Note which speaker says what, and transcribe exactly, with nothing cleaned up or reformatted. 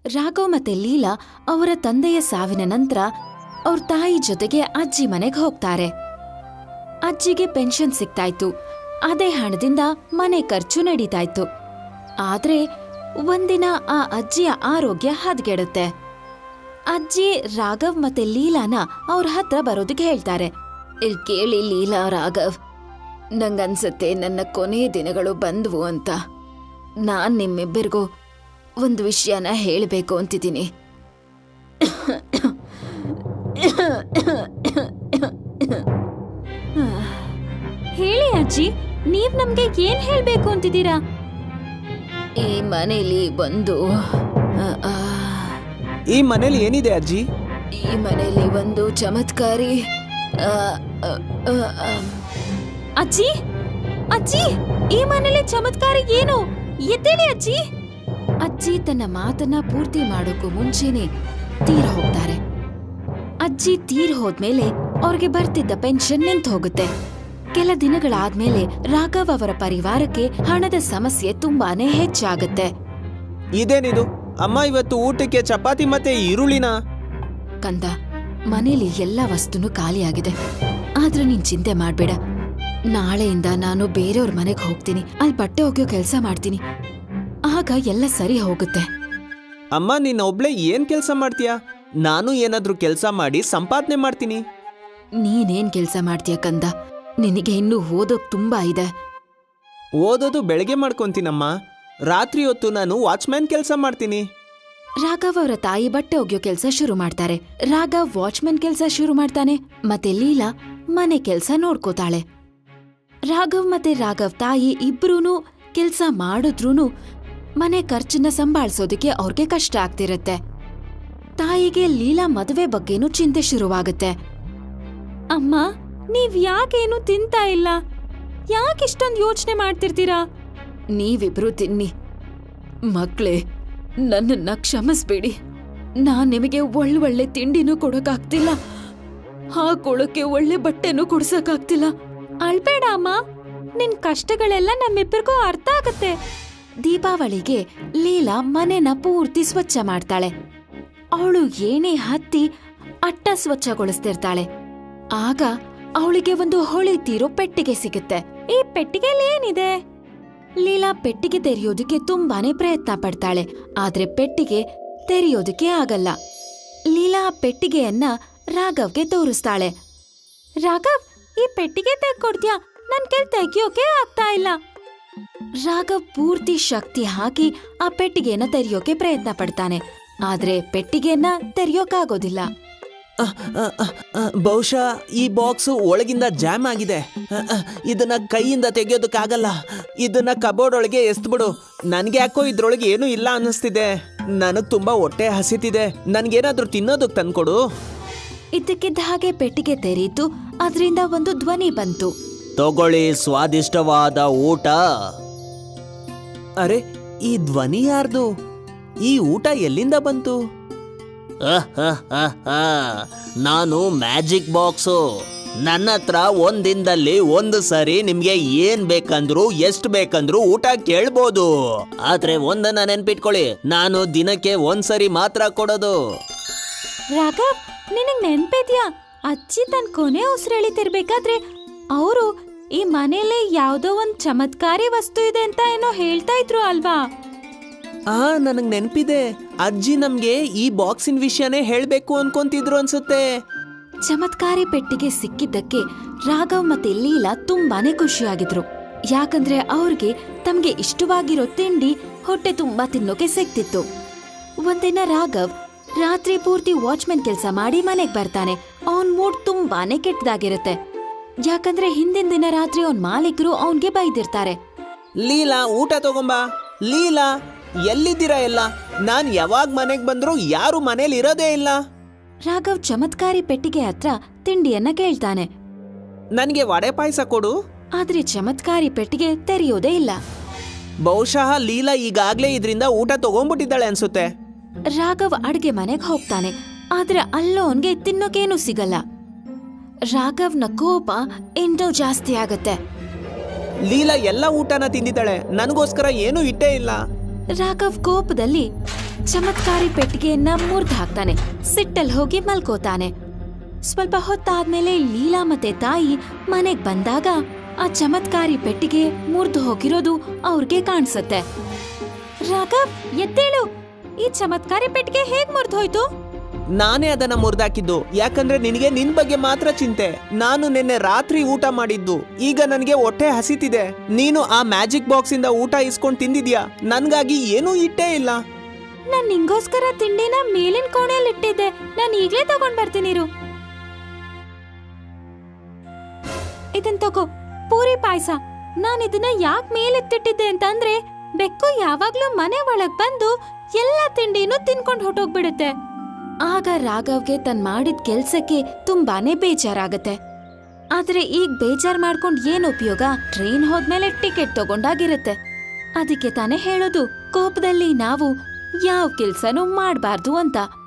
Speaker 1: ರಾಘವ್ ಮತ್ತೆ ಲೀಲಾ ಅವರ ತಂದೆಯ ಸಾವಿನ ನಂತರ ಅವ್ರ ತಾಯಿ ಜೊತೆಗೆ ಅಜ್ಜಿ ಮನೆಗೆ ಹೋಗ್ತಾರೆ. ಅಜ್ಜಿಗೆ ಪೆನ್ಷನ್ ಸಿಗ್ತಾಯ್ತು. ಅದೇ ಹಣದಿಂದ ಮನೆ ಖರ್ಚು ನಡೀತಾಯ್ತು. ಆದ್ರೆ ಒಂದಿನ ಆ ಅಜ್ಜಿಯ ಆರೋಗ್ಯ ಹದಗೆಡುತ್ತೆ. ಅಜ್ಜಿ ರಾಘವ್ ಮತ್ತೆ ಲೀಲಾನ ಅವ್ರ ಹತ್ರ ಬರೋದಕ್ಕೆ ಹೇಳ್ತಾರೆ. ಇಲ್ಲಿ ಕೇಳಿ ಲೀಲಾ, ರಾಘವ್, ನಂಗನ್ಸತ್ತೆ ನನ್ನ ಕೊನೆ ದಿನಗಳು ಬಂದ್ವು ಅಂತ. ನಾನ್ ನಿಮ್ಮಿಬ್ಬರಿಗೂ ಒಂದು ವಿಷಯನ ಹೇಳಬೇಕು ಅಂತಿದ್ದೀನಿ. ಹೇಳಿ ಅಜ್ಜಿ, ನೀವ್ ನಮ್ಗೆ ಏನ್ ಹೇಳ್ಬೇಕು ಅಂತಿದ್ದೀರಾ? ಈ ಮನೇಲಿ ಒಂದು
Speaker 2: ಈ ಮನೇಲಿ ಏನಿದೆ ಅಜ್ಜಿ?
Speaker 1: ಈ ಮನೇಲಿ ಒಂದು ಚಮತ್ಕಾರಿ ಅಜ್ಜಿ ಅಜ್ಜಿ ಈ ಮನೇಲಿ ಚಮತ್ಕಾರಿ ಏನು? ಎದ್ದೇಳಿ ಅಜ್ಜಿ. ಅಜ್ಜಿ ತನ್ನ ಮಾತನ್ನ ಪೂರ್ತಿ ಮಾಡೋಕ್ಕೂ ಮುಂಚೆನೆ ತೀರ್ ಹೋಗ್ತಾರೆ. ಅಜ್ಜಿ ತೀರ್ ಹೋದ್ಮೇಲೆ ಅವ್ರಿಗೆ ಬರ್ತಿದ್ದ ಪೆನ್ಷನ್ ನಿಂತು ಹೋಗುತ್ತೆ. ಕೆಲ ದಿನಗಳಾದ್ಮೇಲೆ ರಾಘವ್ ಅವರ ಪರಿವಾರಕ್ಕೆ ಹಣದ ಸಮಸ್ಯೆ ತುಂಬಾನೇ ಹೆಚ್ಚಾಗುತ್ತೆ.
Speaker 2: ಇದೇನಿದು ಅಮ್ಮ, ಇವತ್ತು ಊಟಕ್ಕೆ ಚಪಾತಿ ಮತ್ತೆ ಈರುಳ್ಳಿನ?
Speaker 1: ಕಂದ, ಮನೇಲಿ ಎಲ್ಲಾ ವಸ್ತುನು ಖಾಲಿಯಾಗಿದೆ. ಆದ್ರೆ ನೀನ್ ಚಿಂತೆ ಮಾಡ್ಬೇಡ. ನಾಳೆಯಿಂದ ನಾನು ಬೇರೆಯವ್ರ ಮನೆಗೆ ಹೋಗ್ತೀನಿ. ಅಲ್ಲಿ ಬಟ್ಟೆ ಒಗೆಯೋ ಕೆಲಸ ಮಾಡ್ತೀನಿ. ಆಗ ಎಲ್ಲ ಸರಿ ಹೋಗುತ್ತೆ.
Speaker 2: ಅಮ್ಮ, ನೀನ್ ಒಬ್ಳೆ ಏನ್ ಕೆಲಸ ಮಾಡ್ತೀಯಾ? ನಾನು ಏನಾದ್ರೂ ಕೆಲಸ ಮಾಡಿ ಸಂಪಾದನೆ ಮಾಡ್ತೀನಿ.
Speaker 1: ನೀನೇನ್ ಕೆಲಸ ಮಾಡ್ತೀಯ ಕಂದ? ನಿನಗೆ ಇನ್ನೂ ಓದೋಕ್ ತುಂಬಾ ಇದೆ.
Speaker 2: ಓದೋದು ಬೆಳಗ್ಗೆ ಮಾಡ್ಕೊಂತೀನಮ್ಮ. ರಾತ್ರಿ ಹೊತ್ತು ನಾನು ವಾಚ್ಮ್ಯಾನ್ ಕೆಲಸ ಮಾಡ್ತೀನಿ.
Speaker 1: ರಾಘವ್ ಅವರ ತಾಯಿ ಬಟ್ಟೆ ಒಗೆಯೋ ಕೆಲಸ ಶುರು ಮಾಡ್ತಾರೆ. ರಾಘವ್ ವಾಚ್ಮನ್ ಕೆಲಸ ಶುರು ಮಾಡ್ತಾನೆ. ಮತ್ತೆ ಲೀಲಾ ಮನೆ ಕೆಲಸ ನೋಡ್ಕೋತಾಳೆ. ರಾಘವ್ ಮತ್ತೆ ರಾಘವ್ ತಾಯಿ ಇಬ್ರೂನು ಕೆಲ್ಸ ಮಾಡಿದ್ರೂನು ಮನೆ ಖರ್ಚನ್ನ ಸಂಭಾಳಿಸೋದಕ್ಕೆ ಅವ್ರಿಗೆ ಕಷ್ಟ ಆಗ್ತಿರತ್ತೆ. ತಾಯಿಗೆ ಲೀಲಾ ಮದುವೆ ಬಗ್ಗೆನೂ ಚಿಂತೆ ಶುರುವಾಗುತ್ತೆ. ಅಮ್ಮ, ನೀವ್ ಯಾಕೇನು ತಿಂತಾ ಇಲ್ಲ? ಯಾಕಿಷ್ಟೊಂದು ಯೋಚನೆ ಮಾಡ್ತಿರ್ತೀರಾ? ನೀವಿಬ್ರು ತಿನ್ನಿ. ಮಕ್ಳೇ, ನನ್ನನ್ನ ಕ್ಷಮಿಸ್ಬೇಡಿ. ನಾನ್ ನಿಮಗೆ ಒಳ್ಳೊಳ್ಳೆ ತಿಂಡಿನೂ ಕೊಡೋಕಾಗ್ತಿಲ್ಲ, ಹಾಕೊಳ್ಳೋಕೆ ಒಳ್ಳೆ ಬಟ್ಟೆನೂ ಕೊಡ್ಸಕ್ಕಾಗ್ತಿಲ್ಲ. ಅಳ್ಬೇಡ ಅಮ್ಮ, ನಿನ್ ಕಷ್ಟಗಳೆಲ್ಲ ನಮ್ಮಿಬ್ಬರಿಗೂ ಅರ್ಥ ಆಗತ್ತೆ. ದೀಪಾವಳಿಗೆ ಲೀಲಾ ಮನೆನ ಪೂರ್ತಿ ಸ್ವಚ್ಛ ಮಾಡ್ತಾಳೆ. ಅವಳು ಏನೇ ಹತ್ತಿ ಅಟ್ಟ ಸ್ವಚ್ಛಗೊಳಿಸ್ತಿರ್ತಾಳೆ. ಆಗ ಅವಳಿಗೆ ಒಂದು ಹೊಳಿತೀರೋ ಪೆಟ್ಟಿಗೆ ಸಿಗುತ್ತೆ. ಈ ಪೆಟ್ಟಿಗೆಲಿ ಏನಿದೆ? ಲೀಲಾ ಪೆಟ್ಟಿಗೆ ತೆರೆಯೋದಕ್ಕೆ ತುಂಬಾನೇ ಪ್ರಯತ್ನ ಪಡ್ತಾಳೆ. ಆದ್ರೆ ಪೆಟ್ಟಿಗೆ ತೆರೆಯೋದಕ್ಕೆ ಆಗಲ್ಲ. ಲೀಲಾ ಆ ಪೆಟ್ಟಿಗೆಯನ್ನ ರಾಘವ್ಗೆ ತೋರಿಸ್ತಾಳೆ. ರಾಘವ್, ಈ ಪೆಟ್ಟಿಗೆ ತೆಗ್ಕೊಡ್ತೀಯಾ? ನನ್ ಕೈ ತೆಗಿಯೋಕೆ ಆಗ್ತಾ ಇಲ್ಲ. ರಾಘವ್ ಪೂರ್ತಿ ಶಕ್ತಿ ಹಾಕಿ ಆ ಪೆಟ್ಟಿಗೆಯನ್ನ ತೆರೆಯೋಕೆ ಪ್ರಯತ್ನ ಪಡ್ತಾನೆ. ಆದ್ರೆ ಪೆಟ್ಟಿಗೆಯನ್ನ ತೆರೆಯೋಕಾಗೋದಿಲ್ಲ.
Speaker 2: ಬಹುಶಃ ಈ ಬಾಕ್ಸ್ ಒಳಗಿಂದ ಜಾಮ್ ಆಗಿದೆ. ಇದನ್ನ ಕೈಯಿಂದ ತೆಗೆಯೋದಕ್ಕಾಗಲ್ಲ. ಇದನ್ನ ಕಬೋರ್ಡ್ ಒಳಗೆ ಎಸ್ತ್ಬಿಡು. ನನ್ಗೆ ಯಾಕೋ ಇದ್ರೊಳಗೆ ಏನೂ ಇಲ್ಲ ಅನ್ನಿಸ್ತಿದೆ. ನನಗ್ ತುಂಬಾ ಹೊಟ್ಟೆ ಹಸಿತಿದೆ. ನನ್ಗೇನಾದ್ರೂ ತಿನ್ನೋದಕ್ ತಂದ್ಕೊಡು.
Speaker 1: ಇದ್ದಕ್ಕಿದ್ದ ಹಾಗೆ ಪೆಟ್ಟಿಗೆ ತೆರೀತು. ಅದರಿಂದ ಒಂದು ಧ್ವನಿ ಬಂತು.
Speaker 2: ತಗೊಳ್ಳಿ ಸ್ವಾದಿಷ್ಟವಾದ ಊಟ. ಅರೆ, ಈ ಧ್ವನಿ ಯಾರ್ದು? ಈ ಊಟ ಎಲ್ಲಿಂದ ಬಂತು? ನಾನು ಮ್ಯಾಜಿಕ್ ಬಾಕ್ಸು. ನನ್ನ ಹತ್ರ ಒಂದಿನದಲ್ಲಿ ಒಂದು ಸರಿ ನಿಮ್ಗೆ ಏನ್ ಬೇಕಂದ್ರು ಎಷ್ಟು ಬೇಕಂದ್ರು ಊಟ ಕೇಳ್ಬೋದು. ಆದ್ರೆ ಒಂದನ್ನ ನೆನ್ಪಿಟ್ಕೊಳ್ಳಿ, ನಾನು ದಿನಕ್ಕೆ ಒಂದ್ಸರಿ ಮಾತ್ರ ಕೊಡೋದು.
Speaker 1: ರಾಘವ್, ನಿನಗ್ ನೆನ್ಪಿದ್ಯಾ? ಅಜ್ಜಿ ತನ್ ಕೊನೆ ಉಸಿರೆಳಿತಿರ್ಬೇಕಾದ್ರೆ ಅವರು ಈ ಮನೇಲಿ ಯಾವ್ದೋ ಒಂದ್ ಚಮತ್ಕಾರಿ ವಸ್ತು ಇದೆ ಅಂತ ಏನೋ ಹೇಳ್ತಾ ಇದ್ರು ಅಲ್ವಾ?
Speaker 2: ಆ ನನಗ್ ನೆನ್ಪಿದೆ. ಅಜ್ಜಿ ನಮ್ಗೆ ಈ ಬಾಕ್ಸಿನ ವಿಷಯನೇ ಹೇಳ್ಬೇಕು ಅನ್ಕೊಂತಿದ್ರು ಅನ್ಸುತ್ತೆ.
Speaker 1: ಚಮತ್ಕಾರಿ ಪೆಟ್ಟಿಗೆ ಸಿಕ್ಕಿದ್ದಕ್ಕೆ ರಾಘವ್ ಮತ್ತೆ ಲೀಲಾ ತುಂಬಾನೇ ಖುಷಿಯಾಗಿದ್ರು. ಯಾಕಂದ್ರೆ ಅವ್ರಿಗೆ ತಮ್ಗೆ ಇಷ್ಟವಾಗಿರೋ ತಿಂಡಿ ಹೊಟ್ಟೆ ತುಂಬಾ ತಿನ್ನೋಕೆ ಸಿಕ್ತಿತ್ತು. ಒಂದಿನ ರಾಘವ್ ರಾತ್ರಿ ಪೂರ್ತಿ ವಾಚ್ಮನ್ ಕೆಲ್ಸ ಮಾಡಿ ಮನೆಗ್ ಬರ್ತಾನೆ. ಅವನ್ ಮೂಡ್ ತುಂಬಾನೇ ಕೆಟ್ಟದಾಗಿರುತ್ತೆ. ಯಾಕಂದ್ರೆ ಹಿಂದಿನ ದಿನ ರಾತ್ರಿ ಅವನ್ ಮಾಲೀಕರು ಅವನ್ಗೆ ಬೈದಿರ್ತಾರೆ.
Speaker 2: ಲೀಲಾ, ಊಟ ತಗೊಂಬಾ. ಲೀಲಾ, ಎಲ್ಲಿದ್ದೀರಾ ಎಲ್ಲ? ನಾನ್ ಯಾವಾಗ ಮನೆಗ್ ಬಂದ್ರು ಯಾರು ಮನೇಲಿ ಇರೋದೇ ಇಲ್ಲ.
Speaker 1: ರಾಘವ್ ಚಮತ್ಕಾರಿ ಪೆಟ್ಟಿಗೆ ಹತ್ರ ತಿಂಡಿಯನ್ನ ಕೇಳ್ತಾನೆ.
Speaker 2: ನನ್ಗೆ ವಡೆ ಪಾಯಸ ಕೊಡು.
Speaker 1: ಆದ್ರೆ ಚಮತ್ಕಾರಿ ಪೆಟ್ಟಿಗೆ ತೆರೆಯೋದೇ ಇಲ್ಲ.
Speaker 2: ಬಹುಶಃ ಲೀಲಾ ಈಗಾಗ್ಲೇ ಇದ್ರಿಂದ ಊಟ ತಗೊಂಡ್ಬಿಟ್ಟಿದ್ದಾಳೆ ಅನ್ಸುತ್ತೆ.
Speaker 1: ರಾಘವ್ ಅಡ್ಗೆ ಮನೆಗ್ ಹೋಗ್ತಾನೆ. ಆದ್ರೆ ಅಲ್ಲೋನ್ಗೆ ತಿನ್ನೋಕೇನು ಸಿಗಲ್ಲ. ರಾಘವ್ನ ಕೋಪ ಇನ್ನೂ ಜಾಸ್ತಿ ಆಗತ್ತೆ.
Speaker 2: ಲೀಲಾ ಎಲ್ಲ ಊಟನ ತಿಂದಿದ್ದಾಳೆ, ನನಗೋಸ್ಕರ ಏನೂ ಇಟ್ಟೇ ಇಲ್ಲ.
Speaker 1: ರಾಘವ್ ಕೋಪದಲ್ಲಿ ಚಮತ್ಕಾರಿ ಪೆಟ್ಟಿಗೆಯನ್ನ ಮುರ್ದ್ ಹಾಕ್ತಾನೆ. ಸಿಟ್ಟಲ್ ಹೋಗಿ ಮಲ್ಕೋತಾನೆ. ಸ್ವಲ್ಪ ಹೊತ್ತಾದ್ಮೇಲೆ ಲೀಲಾ ಮತ್ತೆ ತಾಯಿ ಮನೆಗ್ ಬಂದಾಗ ಆ ಚಮತ್ಕಾರಿ ಪೆಟ್ಟಿಗೆ ಮುರ್ದು ಹೋಗಿರೋದು ಅವ್ರಿಗೆ ಕಾಣಿಸುತ್ತೆ. ರಾಘವ್, ಎದ್ದೇಳು, ಈ ಚಮತ್ಕಾರಿ ಪೆಟ್ಟಿಗೆ ಹೇಗ್ ಮುರ್ದು ಹೋಯ್ತು?
Speaker 2: ನಾನೇ ಅದನ್ನ ಮುರಿದಾಕಿದ್ದು. ಯಾಕಂದ್ರೆ ನಿನಗೆ ನಿನ್ ಬಗ್ಗೆ ಮಾತ್ರ ಚಿಂತೆ. ನಾನು ನಿನ್ನೆ ರಾತ್ರಿ ಊಟ ಮಾಡಿದ್ದು. ಈಗ ನನಗೆ ಹೊಟ್ಟೆ ಹಸಿತಿದೆ. ನೀನು ಆ ಮ್ಯಾಜಿಕ್ ಬಾಕ್ಸ್ ಇಂದ ಊಟ ಇಸ್ಕೊಂಡ್ ತಿಂದಿದ್ಯಾ. ನನ್ಗಾಗಿ ಏನೂ ಇಟ್ಟೇ ಇಲ್ಲ.
Speaker 1: ನಾನ್ ನಿಂಗೋಸ್ಕರ ತಿಂಡಿನ ಮೇಲಿನ ಕೋಣೆಯಲ್ಲಿ ಇಟ್ಟಿದ್ದೆ. ನಾನ್ ಈಗ್ಲೇ ತಗೊಂಡ್ ಬರ್ತೀನಿರು. ಇದನ್ ತಗೋ, ಪೂರಿ ಪಾಯಸ. ನಾನ್ ಇದನ್ನ ಯಾಕ್ ಮೇಲೆತ್ತಿಟ್ಟಿದ್ದೆ ಅಂತಂದ್ರೆ ಬೆಕ್ಕು ಯಾವಾಗ್ಲೂ ಮನೆ ಒಳಗ್ ಬಂದು ಎಲ್ಲಾ ತಿಂಡಿನೂ ತಿನ್ಕೊಂಡ್ ಹೊಟ್ಟೋಗ್ಬಿಡುತ್ತೆ. ಆಗ ರಾಘವ್ಗೆ ತನ್ ಮಾಡಿದ ಕೆಲ್ಸಕ್ಕೆ ತುಂಬಾನೇ ಬೇಜಾರಾಗತ್ತೆ. ಆದ್ರೆ ಈಗ ಬೇಜಾರ್ ಮಾಡ್ಕೊಂಡ್ ಏನ್ ಉಪಯೋಗ? ಟ್ರೈನ್ ಹೋದ್ಮೇಲೆ ಟಿಕೆಟ್ ತಗೊಂಡಾಗಿರುತ್ತೆ. ಅದಕ್ಕೆ ತಾನೇ ಹೇಳೋದು, ಕೋಪದಲ್ಲಿ ನಾವು ಯಾವ ಕೆಲ್ಸನೂ ಮಾಡ್ಬಾರ್ದು ಅಂತ.